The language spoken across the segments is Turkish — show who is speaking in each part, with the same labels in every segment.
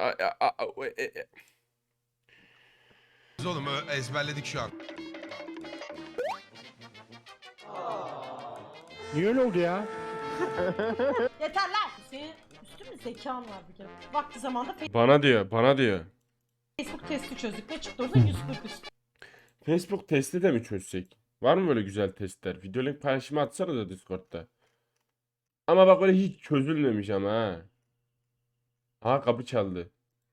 Speaker 1: Biz oğlum ezberledik şu an.
Speaker 2: Niye öyle oldu ya?
Speaker 3: Yeter lan. Senin üstün mü zekan var bir kere. Vakti zamanda
Speaker 4: Bana diyor.
Speaker 3: Facebook testi çözdük. Ne çıktı orada? 140 üstü.
Speaker 4: Facebook testi de mi çözsek? Var mı böyle güzel testler? Video link paylaşımı atsana da Discord'da. Ama bak öyle hiç çözülmemiş ama ha. Aha kapı çaldı.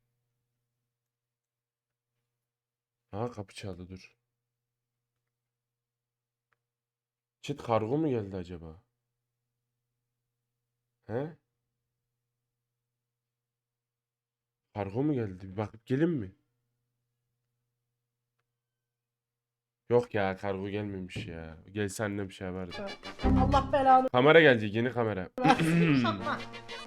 Speaker 4: Aha kapı çaldı dur. Çet kargo mu geldi acaba? He? Kargo mu geldi? Bir bakıp gelin mi? Yok ya kargo gelmemiş ya. Gelse annem bir şey vardı.
Speaker 3: Allah belanı
Speaker 4: Kamera gelecek yeni kamera.
Speaker 3: versin. Şatma.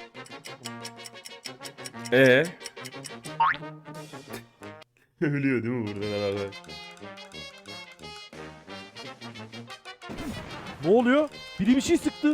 Speaker 4: Ölüyor değil mi buradan herhalde?
Speaker 2: Ne oluyor? Biri bir şey sıktı.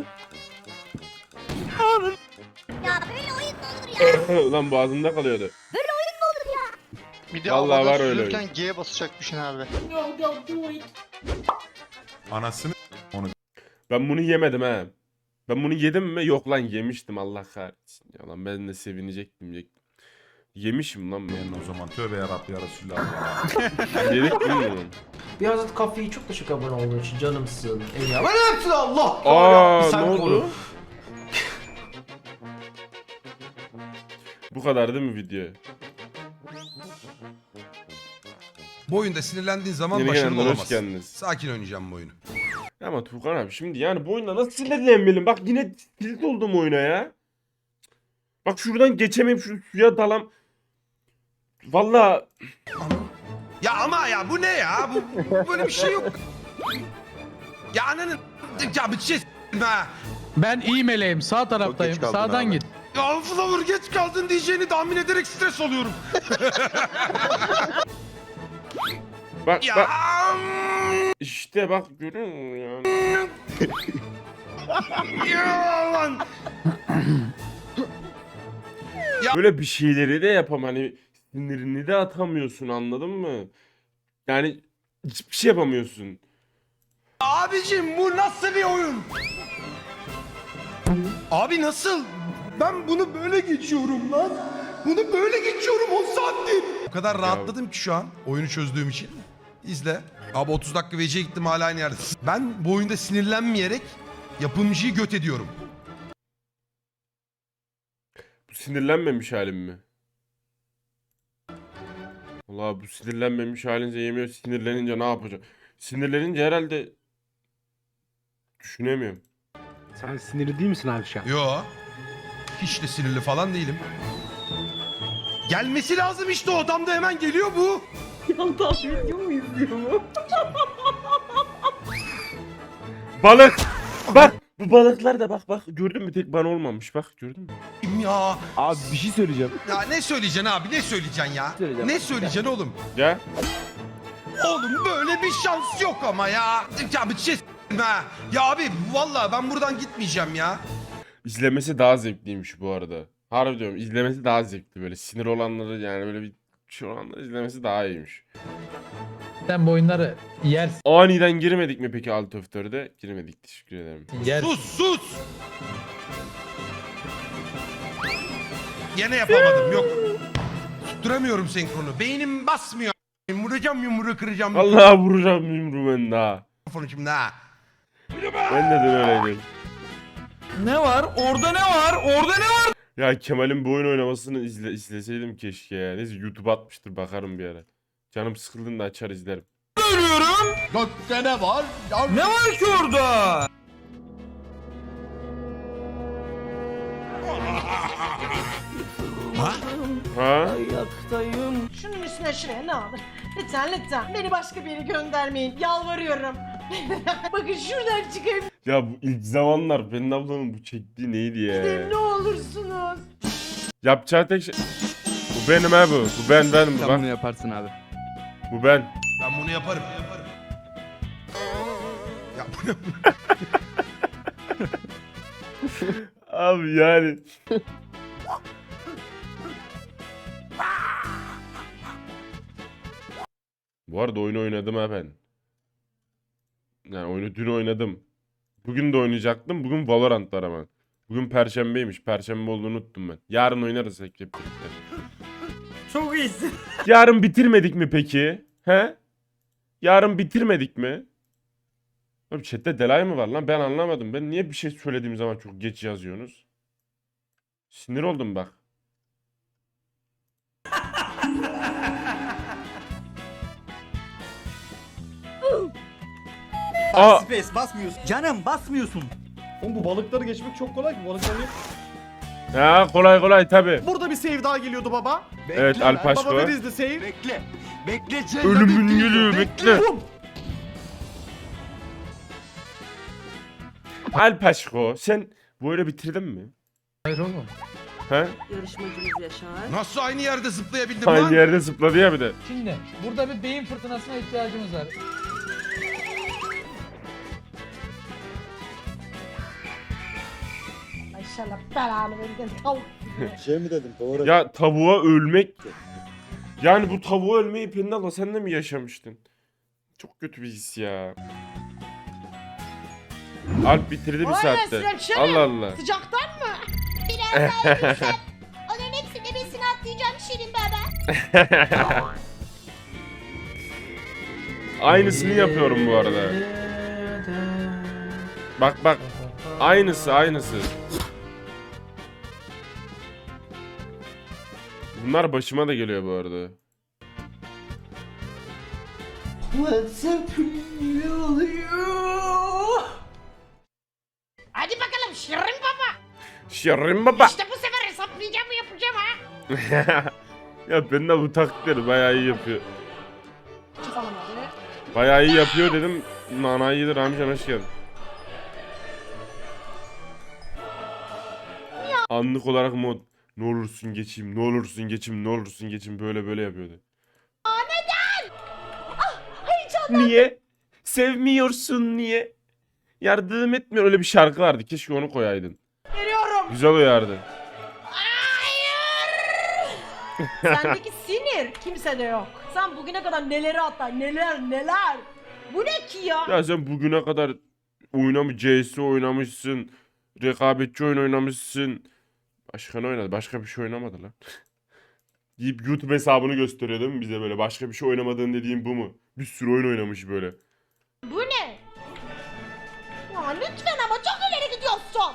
Speaker 5: Ya böyle oyun mu olur ya?
Speaker 4: Ulan boğazımda kalıyordu.
Speaker 6: Bir de
Speaker 4: Vallahi
Speaker 6: havada
Speaker 4: var öyle
Speaker 6: süzülürken G'ye basacakmışsın abi.
Speaker 3: Go go do it.
Speaker 1: Anasını
Speaker 4: Ben bunu yemedim ha. Ben bunu yedim mi? Yok lan yemiştim Allah kahretsin. Ya lan ben de sevinecektim. Yemişim lan ben.
Speaker 1: o zaman tövbe yarabbi ya Resulallah.
Speaker 4: Yedik değil mi bunu?
Speaker 7: Bir Hazret Kafe'yi çok teşekkür abone olduğun için canımsın. Eyvallah. Ben hepsini Allah.
Speaker 4: Aa
Speaker 7: Sen
Speaker 4: ne oldu?
Speaker 7: koru.
Speaker 4: Bu kadar değil mi video?
Speaker 1: Bu oyunda sinirlendiğin zaman
Speaker 4: Yeni
Speaker 1: başarılı
Speaker 4: gelenler hoş
Speaker 1: olamazsın.
Speaker 4: geldiniz.
Speaker 1: Sakin oynayacağım bu oyunu.
Speaker 4: Ama Tuğkan abi şimdi yani bu oyunda nasıl sinirlenmeyelim? Bak yine tilt oldum oyuna ya. Bak şuradan geçemeyip şu suya dalam. Valla
Speaker 1: Ya ama ya bu ne ya? Bu böyle bir şey yok. Ya ananın ya bir şey ha.
Speaker 8: Ben iyi meleğim. Sağ taraftayım. Sağdan git.
Speaker 1: Ya Flower geç kaldın diyeceğini tahmin ederek stres oluyorum.
Speaker 4: bak
Speaker 1: Ya.
Speaker 4: bak işte bak görüyor musun yani?
Speaker 1: Ya lan.
Speaker 4: Böyle bir şeyleri de yapam hani sinirini de atamıyorsun anladın mı? Yani hiçbir şey yapamıyorsun.
Speaker 1: Abicim bu nasıl bir oyun? Abi nasıl? Ben bunu böyle geçiyorum lan. Bunu böyle geçiyorum 10 saattir. O kadar rahatladım ki şu an oyunu çözdüğüm için. İzle. Abi 30 dakika VC'ye gittim hala aynı yerde. Ben bu oyunda sinirlenmeyerek yapımcıyı göt ediyorum.
Speaker 4: Bu sinirlenmemiş halim mi? Allah bu sinirlenmemiş halinize yemiyor. Sinirlenince ne yapacak? Sinirlenince herhalde düşünemiyorum.
Speaker 2: Sen sinirli değil misin abi şu an?
Speaker 1: Yo. Hiç de sinirli falan değilim. Gelmesi lazım işte o adam da hemen geliyor bu.
Speaker 3: Yandan video mu izliyor mu?
Speaker 4: Balık! Bak! Bu balıklar da bak gördün mü tek bana olmamış bak gördün mü?
Speaker 1: Ya.
Speaker 2: Abi bir şey söyleyeceğim.
Speaker 1: Ya ne söyleyeceksin abi ne söyleyeceksin ya?
Speaker 2: Söyleyeceğim.
Speaker 1: Ne söyleyeceksin oğlum?
Speaker 4: Ya
Speaker 1: Oğlum böyle bir şans yok ama ya. Ya bir şey ha. Ya abi vallahi ben buradan gitmeyeceğim ya.
Speaker 4: izlemesi daha zevkliymiş bu arada. Harbi diyorum izlemesi daha zevkli böyle sinir olanları yani böyle bir şey olanları izlemesi daha iyiymiş.
Speaker 8: Sen bu oyunları yersin.
Speaker 4: Aniden girmedik mi peki Alt F4'e? Girmedik teşekkür ederim.
Speaker 8: Yersin.
Speaker 1: Sus. Gene yapamadım yok. Tutturamıyorum senkronu. Beynim basmıyor. Vuracağım yumruğu kıracağım.
Speaker 4: Vallahi vuracağım yumruğu ben daha.
Speaker 1: Mikrofonu şimdi ha.
Speaker 4: Ben de dün öyleydim.
Speaker 7: Ne var? Orada ne var? Orada ne var?
Speaker 4: Ya Kemal'in bu oyun oynamasını izleseydim keşke ya. Neyse YouTube atmıştır bakarım bir ara. Canım sıkıldığında açar izlerim.
Speaker 7: Görüyorum.
Speaker 6: Gökte ne var?
Speaker 7: Ne var ki orada?
Speaker 4: Ha?
Speaker 7: Ayaktayım.
Speaker 3: Şunun üstüne şuraya ne olur. Lütfen. Beni başka bir yere göndermeyin. Yalvarıyorum. Bakın şuradan çıkayım
Speaker 4: Ya bu ilk zamanlar Pelin ablanın bu çektiği neydi ya?
Speaker 3: ne olursunuz.
Speaker 4: Yapacağı tek şey... Bu benim ha bu. Bu ben bu
Speaker 2: Sen
Speaker 4: bak.
Speaker 2: bunu yaparsın abi.
Speaker 4: Bu ben.
Speaker 1: Ben bunu yaparım. Ya bu ne?
Speaker 4: Abi yani. Bu arada oyunu oynadım ha ben. Yani oyunu dün oynadım. Bugün de oynayacaktım. Bugün Valorant var ama. Bugün Perşembeymiş. Perşembe olduğunu unuttum ben. Yarın oynarız hep birlikte.
Speaker 7: Çok iyisin.
Speaker 4: Yarın bitirmedik mi peki? He? Yarın bitirmedik mi? Oğlum chatte delay mı var lan? Ben anlamadım. Ben niye bir şey söylediğim zaman çok geç yazıyorsunuz? Sinir oldum bak. Aa,
Speaker 7: Space basmıyorsun. Canım basmıyorsun.
Speaker 2: Oğlum bu balıkları geçmek çok kolay ki. Balıkları
Speaker 4: ya kolay kolay tabi.
Speaker 2: Burada bir save daha geliyordu baba.
Speaker 4: Evet Alpaşko.
Speaker 2: Baba where is the save?
Speaker 6: Bekle. Bekle.
Speaker 4: Ölümün geliyor bekle. Alpaşko sen bu oyunu bitirdin mi?
Speaker 8: Hayır oğlum.
Speaker 4: He?
Speaker 9: Yarışmacımız Yaşar.
Speaker 1: Nasıl aynı yerde zıplayabildim
Speaker 4: Aynı
Speaker 1: lan?
Speaker 4: yerde zıpladı ya bir de.
Speaker 8: Şimdi burada bir beyin fırtınasına ihtiyacımız var.
Speaker 3: İnşallah belanı verin tavuk gibi.
Speaker 2: Şey mi dedim? Doğru.
Speaker 4: Ya tavuğa ölmek. Yani bu tavuğa ölmeyi Pendala sen de mi yaşamıştın? Çok kötü bir his ya. Alp bitirdi bir
Speaker 3: Vay
Speaker 4: saatte.
Speaker 3: Esrem Şener.
Speaker 4: Allah Allah.
Speaker 3: Sıcaktan mı?
Speaker 5: Biraz daha yürüsem. Onların hepsini besini atlayacağım Şirin baba.
Speaker 4: Aynısını yapıyorum bu arada. Bak bak. Aynısı. Bunlar başıma da geliyor bu arada.
Speaker 3: Hadi bakalım Şirin baba.
Speaker 4: Şerrin baba.
Speaker 3: İşte bu sefer hesaplayacağımı yapacağım ha.
Speaker 4: Ya ben de bu taklitleri bayağı iyi yapıyor.
Speaker 3: Çıkalım hadi.
Speaker 4: Bayağı iyi yapıyor dedim. Nanayı yedir amcan hoş geldin. Anlık olarak mod ne olursun geçeyim, ne olursun geçeyim, ne olursun geçeyim böyle yapıyordu.
Speaker 3: Neden?
Speaker 4: Niye? Sevmiyorsun niye? Yardım etmiyor öyle bir şarkı vardı. Keşke onu koyaydın.
Speaker 3: Veriyorum.
Speaker 4: Güzel uyardı.
Speaker 3: Hayır. Sendeki sinir kimsede yok. Sen bugüne kadar neleri atlar, neler. Bu ne ki ya?
Speaker 4: Ya sen bugüne kadar CS oynamışsın. Rekabetçi oyun oynamışsın. Başka ne oynadı? Başka bir şey oynamadı lan. Deyip YouTube hesabını gösteriyor değil mi bize böyle? Başka bir şey oynamadığın dediğim bu mu? Bir sürü oyun oynamış böyle.
Speaker 3: Bu ne? Ya lütfen ama çok ileri gidiyorsun.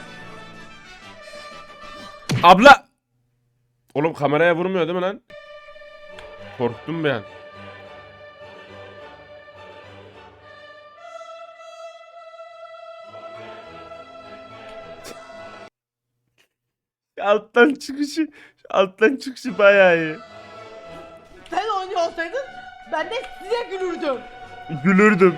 Speaker 4: Abla! Oğlum kameraya vurmuyor değil mi lan? Korktum ben. Alttan çıkışı bayağı iyi.
Speaker 3: Sen oynuyor olsaydın ben de size gülürdüm.
Speaker 4: Gülürdüm.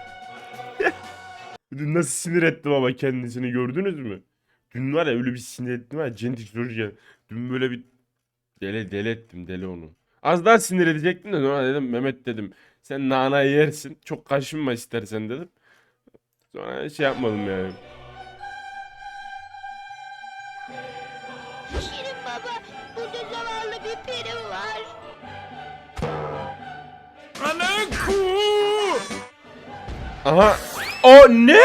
Speaker 4: Dün nasıl sinir ettim ama kendisini gördünüz mü? Dün var ya öyle bir sinir ettim ha. Centik Zorca. Dün böyle bir deli ettim deli onu. Az daha sinir edecektim de sonra dedim Mehmet dedim. Sen nanayı yersin. Çok kaşınma istersen dedim. Sonra şey yapmadım yani.
Speaker 5: Şirin baba, burada zavallı bir peri var.
Speaker 4: Aha. O ne?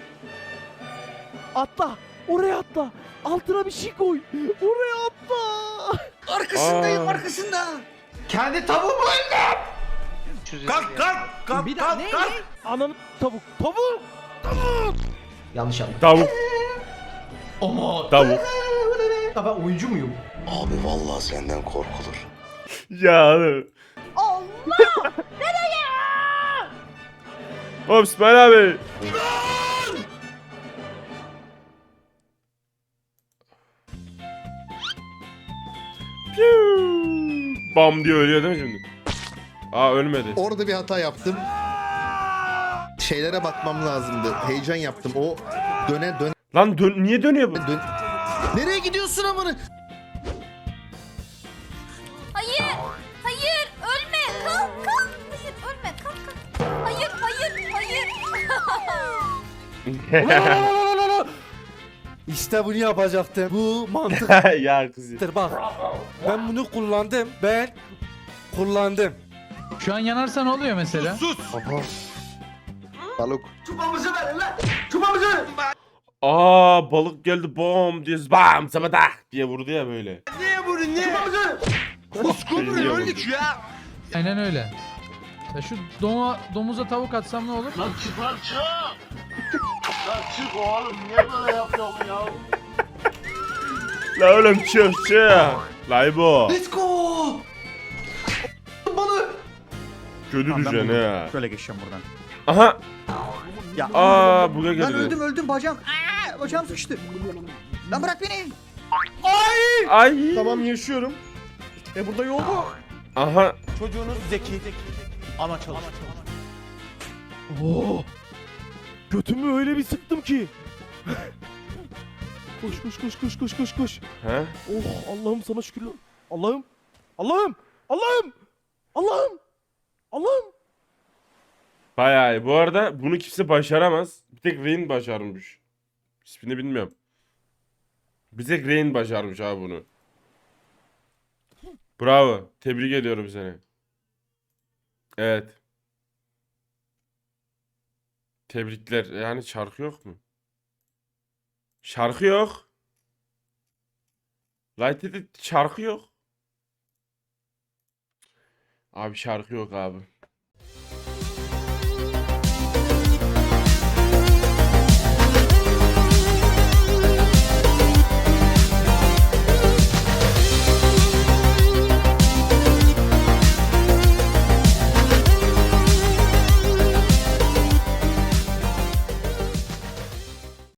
Speaker 2: Atla. Oraya atla. Altına bir şey koy. Oraya atla.
Speaker 7: Arkasındayım
Speaker 4: Aa.
Speaker 7: arkasında. Kendi tavuğumu öldüm.
Speaker 1: Kalk.
Speaker 7: Bir daha ne?
Speaker 2: Ananı tavuk. Tavuk.
Speaker 7: Yanlış anladım.
Speaker 4: Tavuk.
Speaker 7: Ama
Speaker 4: Tavuk.
Speaker 7: ya ben oyuncu muyum?
Speaker 6: Abi vallahi senden korkulur.
Speaker 4: Ya.
Speaker 3: Allah! Nereye?
Speaker 4: Hop İsmail abi. Piu. Bam diye ölüyor değil mi şimdi? Aa ölmedi.
Speaker 10: Orada bir hata yaptım. Şeylere bakmam lazımdı. Heyecan yaptım. O döne.
Speaker 4: Lan niye dönüyor bu?
Speaker 10: Nereye gidiyorsun amına?
Speaker 5: Hayır, hayır, ölme, kalk. Hayır, ölme, kalk. Hayır.
Speaker 2: İşte bunu yapacaktım. Bu mantık.
Speaker 4: Ya kızım.
Speaker 2: Bak. Ben bunu kullandım. Ben kullandım.
Speaker 8: Şu an yanarsa ne oluyor mesela?
Speaker 1: Sus.
Speaker 10: Balık.
Speaker 4: Aa balık geldi bom diye bam sabadak diye vurdu ya böyle.
Speaker 1: Niye bunu niye? Koskodur
Speaker 4: Niye
Speaker 1: öldük
Speaker 4: vurdu?
Speaker 1: ya.
Speaker 8: Aynen öyle. Ya şu domuza tavuk atsam ne olur?
Speaker 4: La oğlum çık. Laybo.
Speaker 7: Let's go. Balı.
Speaker 4: Kötü düşen ha.
Speaker 2: Şöyle geçeceğim buradan.
Speaker 4: Aha.
Speaker 2: Ya.
Speaker 4: Aa buga
Speaker 2: Lan
Speaker 4: geldi.
Speaker 2: öldüm bacağım. Bacağım sıkıştı. Lan bırak beni.
Speaker 4: Ay.
Speaker 10: Tamam yaşıyorum.
Speaker 2: Burada yol mu?
Speaker 4: Aha.
Speaker 2: Çocuğunuz zeki. Ama çalış. Oo. Götümü öyle bir sıktım ki. Koş.
Speaker 4: He?
Speaker 2: Oh Allah'ım sana şükürler. Allah'ım.
Speaker 4: Bayağı iyi. Bu arada bunu kimse başaramaz. Bir tek Rain başarmış. İsmini bilmiyorum. Bir tek Rain başarmış abi bunu. Bravo. Tebrik ediyorum seni. Evet. Tebrikler. Yani şarkı yok mu? Şarkı yok. Light'te şarkı yok. Abi şarkı yok abi.